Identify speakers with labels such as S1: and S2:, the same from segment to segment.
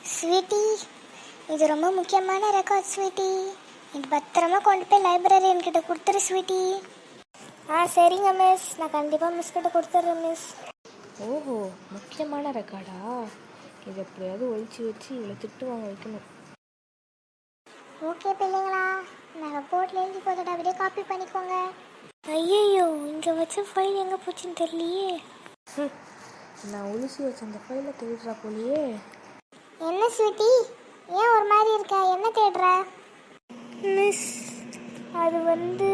S1: Sweetie, இது ரொம்ப முக்கியமான ரெக்கார்ட் ஸ்வீட்டி. இது பத்திரமா கொண்டு போய் லைப்ரரி என்கிட்ட கொடுத்துரு ஸ்வீட்டி. சரிங்க மிஸ், நான் கண்டிப்பாக மிஸ் கிட்ட கொடுத்துட்றேன் மிஸ்.
S2: ஓஹோ, முக்கியமான ரெக்கார்டா? இது எப்படியாவது ஒழிச்சு வச்சு இவ்வளோ திட்டு வாங்க வைக்கணும்.
S1: ஓகே பிள்ளைங்களா, நான் போர்டில் எழுதி போட்டுட்டு அப்படியே காப்பி பண்ணிக்கோங்க. ஐயோ, இங்கே வச்ச ஃபைல் எங்கே போச்சுன்னு தெரியலையே.
S2: நான் ஒழிச்சு வச்ச அந்த ஃபைலை தேடுறா போலியே.
S1: என்ன ஸ்வீட்டி, ஏன் ஒரு மாதிரி இருக்க? என்ன தேடுற? மிஸ், அது வந்து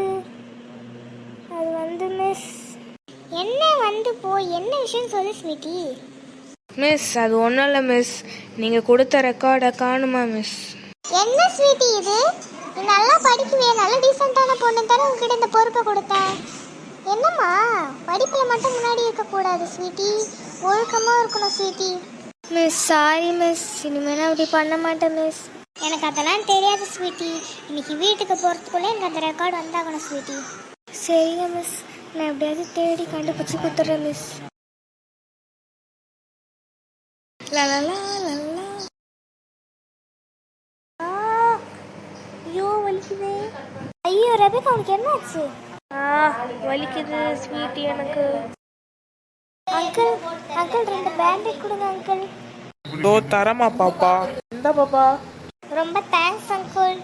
S1: மிஸ். என்ன வந்து போய் என்ன விஷயம் சொல்லு ஸ்வீட்டி.
S2: மிஸ், அது ஒன்றும் இல்லை மிஸ், நீங்கள் கொடுத்த ரெக்கார்டை காணுமா மிஸ்?
S1: என்ன ஸ்வீட்டி இது? நீ நல்லா படிக்குவே, நல்ல டீசெண்டான பொண்ணு தானே உங்ககிட்ட இந்த பொறுப்பை கொடுத்தேன். என்னம்மா, படிப்பில் மட்டும் முன்னாடி இருக்கக்கூடாது ஸ்வீட்டி, ஒழுக்கமாக இருக்கணும் ஸ்வீட்டி. மிஸ் சாரி மிஸ், இனிமேல் அப்படி பண்ண மாட்டேன் மிஸ். எனக்கு அதெல்லாம் தெரியாது ஸ்வீட்டி. இன்னைக்கு வீட்டுக்கு போகிறதுக்குள்ளே எனக்கு அந்த ரெக்கார்டு வந்தாகணும் ஸ்வீட்டி. சரிங்க மிஸ், நான் எப்படியாவது தேடி கண்டுபிடிச்சி கொடுத்துட்றேன் மிஸ்.
S2: லலலா.
S1: ஐயோ வலிக்குது. ஐயோ ரெபேக்கா, உனக்கு என்ன ஆச்சு?
S2: வலிக்குது ஸ்வீட்டி எனக்கு.
S1: அங்கிள் அங்கிள், 2 பேண்டேஜ் கொடுங்க அங்கிள்.
S3: தோ தரமா பாப்பா. இந்த பாப்பா.
S1: ரொம்ப தேங்க்ஸ் அங்கிள்.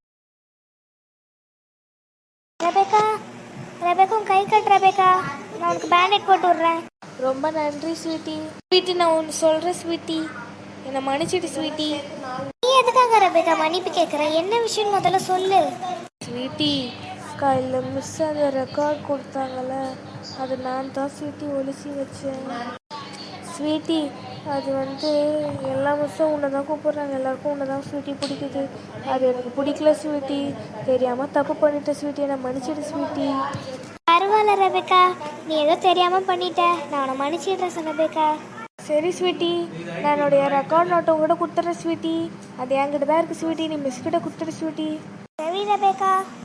S1: ரெபேக்கா உன் கை கட்டு ரெபேக்கா, நான் உனக்கு பேண்டேஜ் போட்டு விட்றேன்.
S2: ரொம்ப நன்றி ஸ்வீட்டி. ஸ்வீட்டி, நான் ஒன்று சொல்கிறேன் ஸ்வீட்டி, என்னை மன்னிச்சிட்டு ஸ்வீட்டி.
S1: நீ எதுக்காக ரெபேக்கா மன்னிப்பு கேட்குற? என்ன விஷயம் முதல்ல சொல்லு
S2: ஸ்வீட்டி. காலையில் மிஸ் அந்த ரெக்கார்ட் கொடுத்தாங்கல்ல, அது நான் தான் ஸ்வீட்டி ஒழிச்சு வச்சேன். ஸ்வீட்டி, அது வந்து எல்லா மிஸ்ஸும் உன்னை தான் கூப்பிட்றாங்க, எல்லாருக்கும் உன்னை தான் ஸ்வீட்டி பிடிக்குது. அது எனக்கு பிடிக்கல ஸ்வீட்டி, தெரியாமல் தப்பு பண்ணிட்டேன் ஸ்வீட்டி, என்னை மன்னிச்சிடு ஸ்வீட்டி.
S1: பரவாயில்ல ரெபேக்கா, நீ ஏதோ தெரியாமல் பண்ணிட்ட, நான் உன்னை மன்னிச்சிடுறேன் ரெபேக்கா.
S2: சரி ஸ்வீட்டி, நான் என்னுடைய ரெக்கார்ட் நோட்டை உங்கள்கிட்ட கொடுத்துட்றேன் ஸ்வீட்டி. அது என்கிட்ட தான் இருக்குது ஸ்வீட்டி, நீ மிஸ் கிட்ட கொடுத்துரு ஸ்வீட்டி.
S1: சரி ரெபேக்கா.